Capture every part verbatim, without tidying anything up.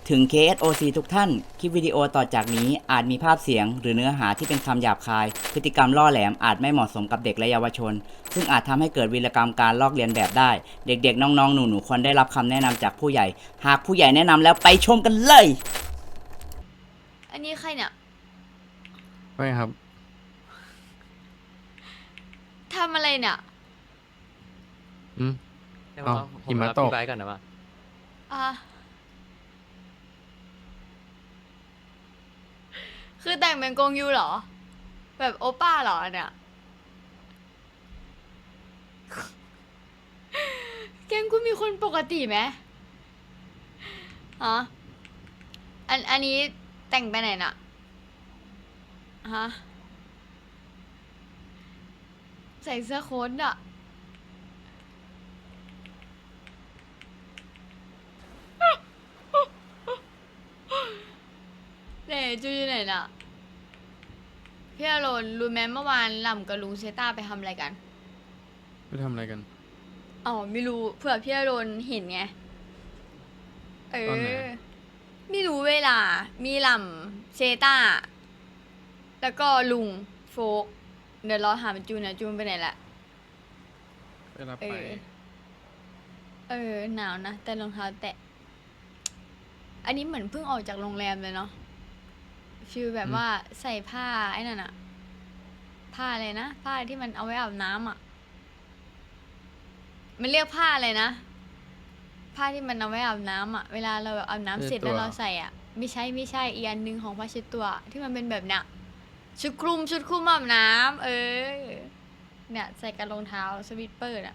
ถึง เค เอส โอ ซี ทุกท่าน คลิปวิดีโอต่อจากนี้อาจมีภาพเสียงหรือเนื้อหาที่เป็นคำหยาบคาย พฤติกรรมล่อแหลมอาจไม่เหมาะสมกับเด็กและเยาวชน ซึ่งอาจทำให้เกิดวีรกรรมการลอกเลียนแบบได้ เด็กๆ น้องๆ หนูๆ ควรได้รับคำแนะนำจากผู้ใหญ่ หากผู้ใหญ่แนะนำแล้วไปชมกันเลยอันนี้ใครเนี่ยไม่ครับทำอะไรเนี่ยอืมเดี๋ยวอ้าวผมหิมะรับตกพี่ไบร์ทก่อนนะว่าอ่ะ คือแต่งเป็นกงยูเหรอ แบบโอป้าเหรอเนี่ย แกงกูมีคนปกติไหมฮะอัน อันนี้แต่งไปไหนน่ะ ฮะ ใส่เสื้อโค้ทอะไหนจูอยู่ไหนน่ะ พี่อารนรู้ไหมเมื่อวานหล่ำกับลุงเซต้าไปทำอะไรกันไปทำอะไรกันอ๋อไม่รู้เผื่อพี่อารนเห็นไง เอตอนไหนอ ไม่รู้เวลา มีหล่ำเซต้า แล้วก็ลุงโฟก เดี๋ยวรอถามจูนนะจูนไปไหนละไปรับเอไปอ เออ หนาวนะ แต่รองเท้าแตะ อันนี้เหมือนเพิ่งออกจากโรงแรมเลยเนาะฟีลแบบอืมว่าใส่ผ้าไอ้นั่นอะผ้าอะไรนะ ผ้าที่มันเอาไว้อาบน้ำอะมันเรียกผ้าอะไรนะ ผ้าที่มันเอาไว้อาบน้ำอะเวลาเราแบบอาบน้ำเสร็จแล้วเราใส่อะไม่ใช่ไม่ใช่อีกอันหนึงของผ้าเช็ดตัว ที่มันเป็นแบบเนี้ยชุดคลุมชุดคลุมอาบน้ำเออ เนี่ยใส่กับรองเท้าสวิตเปอร์อะ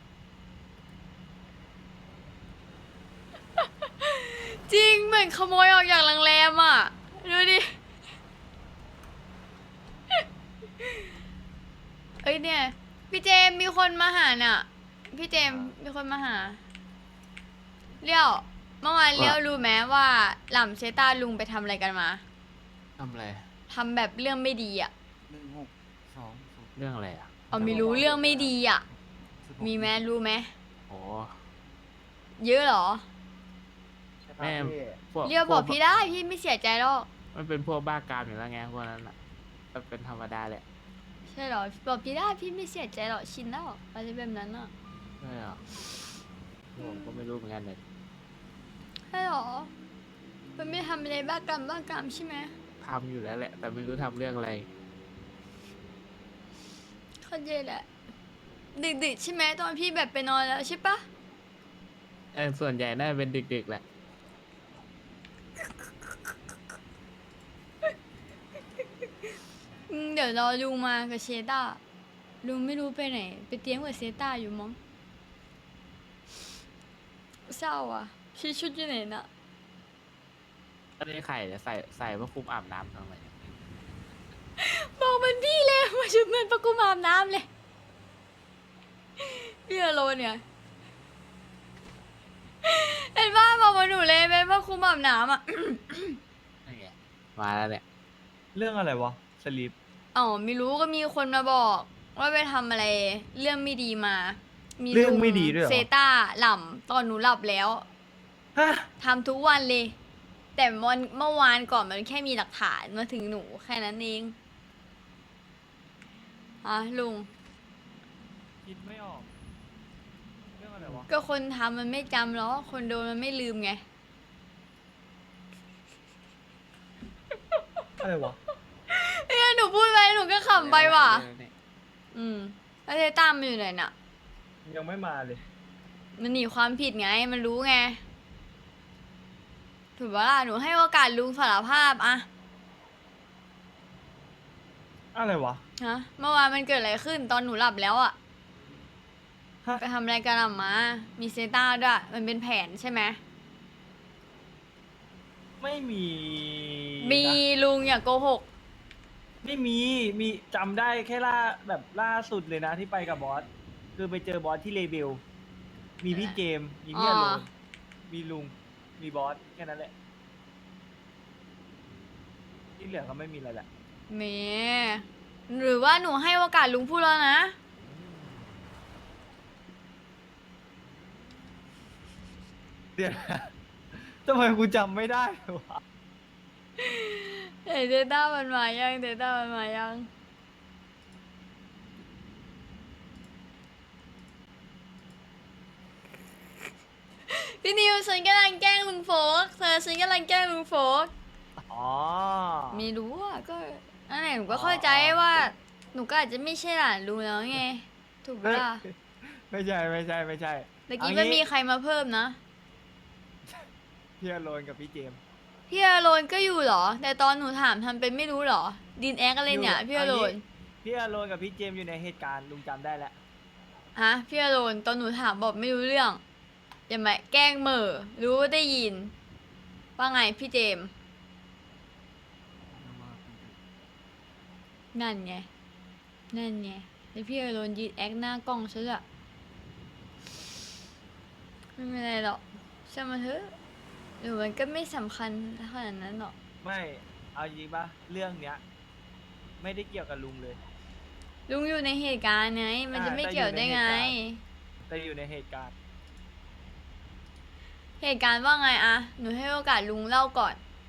จริงเหมือนขโมยออกจากโรงแรมอ่ะ ดูดิ เอ้ยเนี่ย พี่เจมส์มีคนมาหาน่ะ พี่เจมส์มีคนมาหาเลี้ยวเมื่อวานเลี้ยวรู้ไหมว่าหล่ำเชต้าลุงไปทำอะไรกันมาทำอะไรทำแบบเรื่องไม่ดีอ่ะหนึ่งหกสองเรื่องอะไรอ่ะเอาไม่รู้เรื่องไม่ดีอ่ะ มีไหมรู้ไหมโอ้เยอะเหรอแม่พวกเลี้ยวบอกพวพี่ได้พี่ไม่เสียใจหรอกมันเป็นพวกบ้ากามอยู่แล้วไงพวกนั้นอ่ะมันเป็นธรรมดาแหละใช่เหรอบอกพี่ได้พี่ไม่เสียใจหรอกชินแล้วอะไรแบบนั้นอ่ะใช่เหรอผมก็ไม่รู้เหมือนกันเลยใช่เหรอ มันไม่ทำอะไรบ้ากรรมบ้ากรรมใช่ไหมทำอยู่แล้วแหละ แต่ไม่รู้ทำเรื่องอะไรเข้าใจแหละ ดึกๆใช่ไหมตอนพี่แบบไปนอนแล้วใช่ปะเออส่วนใหญ่น่าจะเป็นดึกๆแหละอืมเดี๋ยวรอลุงมากับเชต้าลุงไม่รู้ไปไหน ไปเตรียมกับเชต้าอยู่มั้งเศร้าอ่ะชีชุดอยู่ไหนน่ะก็ได้ไข่จะใส่ใส่เพื่อคุมอาบน้ำทำไมบอกมันพี่เลยมาชุดเหมือนประกุมอาบน้ำเลยพี่อโลเนี่ยเห็นป่ะบอกมาหนูเลยเป็นประคุมอาบน้ำอ่ะนั่นไงมาแล้วเนี่ยเรื่องอะไรวะ สลีปอ๋อไม่รู้ก็มีคนมาบอก ว่าไปทำอะไร เรื่องไม่ดีมา มีเรื่องลุไม่ดีด้วยเหรอเซต้าหล่ำตอนหนูหลับแล้วฮะทำทุกวันเลย แต่วันเมื่อวานก่อนมันแค่มีหลักฐานมาถึงหนูแค่นั้นเองอ่ะลุงคิดไม่ออก เรื่องอะไรวะก็คนทำมันไม่จำหรอกคนโดนมันไม่ลืมไงอะไรวะเนี่ยหนูพูดไปหนูก็ขำไปว่ะ อืมแล้วเซต้ามันอยู่ไหนน่ะยังไม่มาเลยมันหนีความผิดไง มันรู้ไง ถูกปะล่ะ หนูให้โอกาสลุงสารภาพอะอะไรวะฮะ เมื่อวานมันเกิดอะไรขึ้นตอนหนูหลับแล้วอะฮะไปทำอะไรกันอะมา มีเซต้าด้วย มันเป็นแผนใช่ไหมไม่มีมีนะลุงอย่าโกหกไม่มี มีจำได้แค่ล่าแบบล่าสุดเลยนะที่ไปกับบอส คือไปเจอบอสที่เลเบล มีพี่เจมส์มีพี่อโลอ๋อมีลุง มีบอส แค่นั้นแหละ ที่เหลือก็ไม่มีอะไรแหละเมหรือว่าหนูให้โอกาสลุงพูดแล้วนะเดี๋ยวนะทำไมกูจำไม่ได้วะเฮ้ยเดต้ามันมายังเดต้ามันมายังพี่นิวฉันกำลังแกล้งลุงโฟกเธอฉันกำลังแกล้งลุงโฟกอ๋อไม่รู้อ่ะก็นั่นแหละหนูก็เข้าใจว่าหนูก็อาจจะไม่ใช่หลานลุงแล้วไงถูกปะล่ะไม่ใช่ไม่ใช่ไม่ใช่ตะกี้เอางี้ไม่มีใครมาเพิ่มนะพี่อโรนกับพี่เจมส์พี่อโรนก็อยู่เหรอ แต่ตอนหนูถามทำเป็นไม่รู้เหรอดินแอคอะไรเนี่ยอยู่พี่อโรนเอางี้ พี่อโรนกับพี่เจมส์อยู่ในเหตุการณ์ลุงจำได้แล้วฮะพี่อโรนตอนหนูถามบอกไม่รู้เรื่องอย่ามาแกล้งเหม่อรู้ว่าได้ยินว่าไงพี่เจมส์นั่นไงนั่นไงแล้วพี่อโรนยืนแอคหน้ากล้องซะละไม่เป็นไรหรอกช่างมันเถอะหรือมันก็ไม่สำคัญขนาดนั้นหรอกไม่ เอาจริงปะเรื่องเนี้ย ไม่ได้เกี่ยวกับลุงเลยลุงอยู่ในเหตุการณ์ไงมันจะอ่าไม่แต่เกี่ยวอยู่ในได้ไงเหตุการณ์ แต่อยู่ในเหตุการณ์เหตุการณ์ว่าไงอะหนูให้โอกาสลุงเล่าก่อน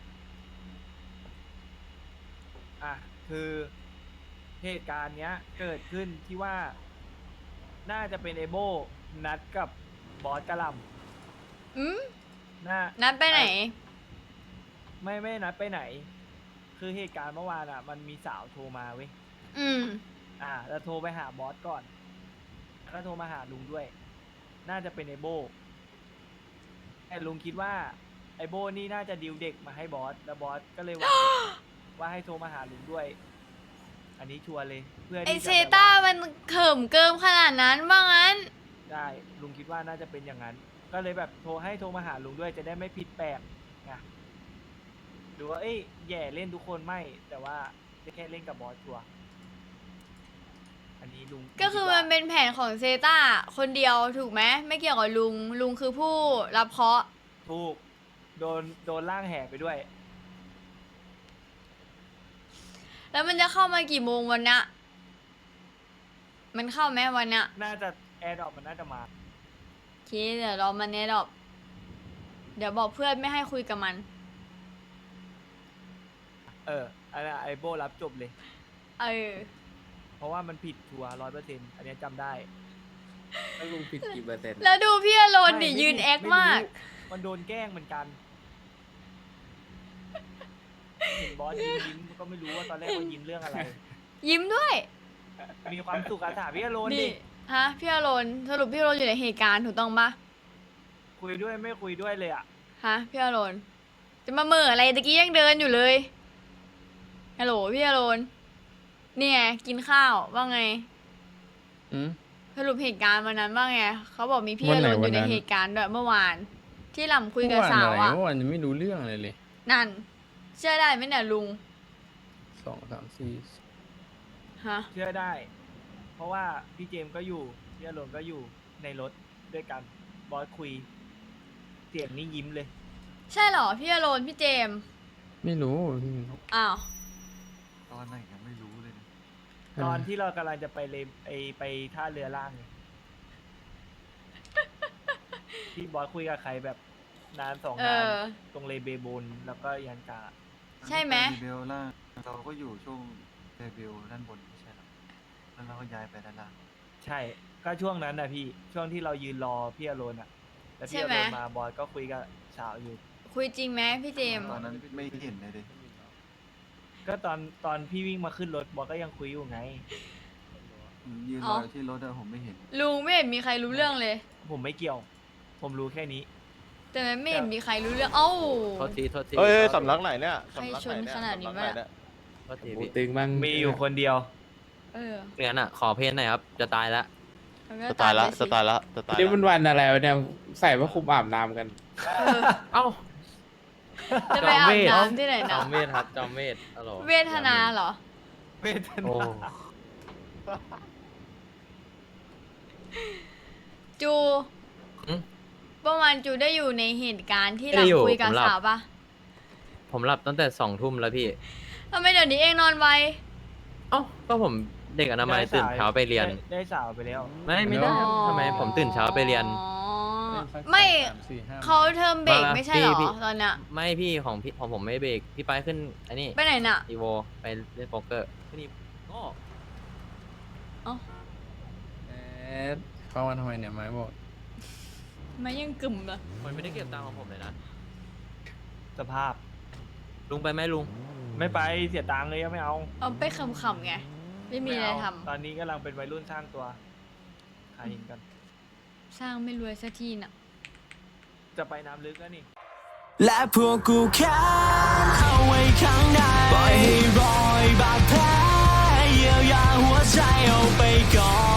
อ่ะ คือเหตุการณ์เนี้ย เกิดขึ้นที่ว่า น่าจะเป็นเอโบนัดกับบอสกะหลอืมำน่านัดไปไหนไม่ไม่นัดไปไหน คือเหตุการณ์เมื่อวานอ่ะ มันมีสาวโทรมาเว้ยอืมอ่า แล้วโทรไปหาบอสก่อน แล้วโทรมาหาลุงด้วย น่าจะเป็นไอโบแต่ลุงคิดว่าไอโบนี่น่าจะดิวเด็กมาให้บอส แล้วบอสก็เลยว่า ว่าให้โทรมาหาลุงด้วย อันนี้ชัวร์เลย เพื่อไอที่เซจะแบบต้าว่ามันเขิมเกิมขนาดนั้นว่างั้นได้ ลุงคิดว่าน่าจะเป็นอย่างนั้น ก็เลยแบบโทรให้โทรมาหาลุงด้วย จะได้ไม่ผิดแปลกไงดูว่า เอ้ยแย่เล่นทุกคนไม่ แต่ว่าจะแค่เล่นกับบอสชัวร์อันนี้ลุงก็คือมันเป็นแผนของเซต้าคนเดียวถูกไหมไม่เกี่ยวกับลุง ลุงคือผู้รับเคราะห์ถูก โดน โดนล่างแห่ไปด้วยแล้วมันจะเข้ามากี่โมงวันเนี้ยมันเข้าไหมวันเนี้ยน่าจะแอร์ดรอปมันน่าจะมาโอเคเดี๋ยวรอมันเนี้ยดอกเดี๋ยวบอกเพื่อนไม่ให้คุยกับมันเอออันนั้นไอโบรับจบเลยเออเพราะว่ามันผิดชัวร้อยเปอร์เซ็นต์อันเนี้ยจำได้แล้วลุงผิดกี่เปอร์เซ็นต์แล้วดูพี่อโรนไม่ดิไม่ยืนผิดแอคไรู้มากมันโดนแกล้งเหมือนกัน เห็นบอสยิ้มยิ้มก็ไม่รู้ว่าตอนแรกว่ายิ้มเรื่องอะไรยิ้มด้วยมีความสุขอาถามพี่อโรนดินี่ฮะพี่อโรนสรุปพี่อโรนอยู่ในเหตุการณ์ถูกต้องปะคุยด้วยไม่คุยด้วยเลยอ่ะฮะพี่อโรนจะมาเหม่ออะไรตะกี้ยังเดินอยู่เลยฮัลโหลพี่อโรนเนี่ยกินข้าวว่าไงอืมสรุปเหตุการณ์วันนั้นว่าไงเขาบอกมีพี่อวันโรไหนนอวันยู่ในนั้นเหตุการณ์ด้วยเมื่อวาน ที่หล่ำคุยกับเมื่อวานสาวอะไรอ่ะเมื่อวานยังไม่รู้เรื่องอะไรเลยนั่น เชื่อได้ไหมเนี่ยลุงสองสามสี่ฮะเชื่อได้ เพราะว่าพี่เจมส์ก็อยู่ พี่อโรนก็อยู่ในรถด้วยกัน บอสคุย เสียงนี่ยิ้มเลยใช่เหรอพี่อโรนพี่เจมส์ไม่รู้อ้าวตอนไหนยังไม่รู้เลยนะตอนที่เรากำลังจะไปเลไอไปท่าเรือล่างไง ที่บอสคุยกับใครแบบนานสองานเอนอตรงเลเบบูนแล้วก็ยันกาใช่ไหมตอนที่ปรีเบลล่างเราก็อยู่ช่วงเรเบลด้านบนไม่ใช่หรอแล้วเราก็ย้ายไปด้านล่างใช่ ก็ช่วงนั้นนะพี่ ช่วงที่เรายืนรอพี่อโรนอะแล้วพี่ใช่อไหมโรนมาบอสก็คุยกับสาวอยู่คุยจริงไหมพี่เจมส์ตอนนั้นไม่เห็นเลยดิก็ตอนตอนพี่วิ่งมาขึ้นรถบอสก็ยังคุยอยู่ไงผมยืนรออยู่ที่รถอะผมไม่เห็นลุงไม่เห็นมีใครรู้เรื่องเลยผมไม่เกี่ยว ผมรู้แค่นี้แต่มันไม่เห็นมีใครรู้เรื่อง เอ้าโทษทีโทษทีเอ้ยสำนักไหนเนี่ยใครสำนักชไหนนเนี่ยขนาดนี้สำกไหวะเนี่ยโทษทีโอ้พี่ตึงบ้างมีอยู่คนเดียวเอองั้นอ่ะ ขอเพลงหน่อยครับ จะตายแล้วมันก็สไตล์ละมไปสไตล์ละสไตล์นี่ละมันวันอะไรวะเนี่ยใส่ผ้าคลุมอาบน้ำกันเออเอ้าจะไปอาบน้ำที่ไหนจนะอมเวทครับ จอมเวทฮัลโหลเวทนาเหรอเวทโอ้นาจูอืมเมื่อวานจูได้อยู่ในเหตุการณ์ที่ไม่เราได้อยู่คุยกับผมหลับสาวปะผมหลับตั้งแต่สองทุ่มแล้วพี่ทำไมเดี๋ยวนี้เองนอนไวเอ้า ก็ผมเด็กอนามัยตื่นเช้าไปเรียนด้ได้สาวไปแล้วไม่ไม่ได้อ๋อทำไมผมตื่นเช้าไปเรียนอ๋อสักไม่สามสี่ห้าเขาเทอมเบรกมาไม่ใช่เหรอพี่ตอนเนี้ยไม่พี่ของพี่ของผมไม่เบรกพี่ไปขึ้นอันนี้ไปไหนน่ะอีโวไปเล่นโป๊กเกอร์พี่นี่โง่เอ้าแอดเข้ามาทำไมเนี่ยไม้บอกไม่ยังกึ่มเหรอมันไม่ได้เก็บตังค์ของผมเลยนะสภาพลุงไปไหมลุงไม่ไปเสียตังค์เลยอะไม่เอาเอาไปขำๆไง ไม่มีอะไรเาทำตอนนี้กำลังเป็นวัยรุ่นสร้างตัวขายหินกันสร้างไม่รวยสักทีน่ะจะไปน้ำลึกแล้วนี่และพวกกูแค้นเอาไว้ข้างในปล่อยให้รอยบาดแผลเยียวยาหัวใจเอาไปก่อน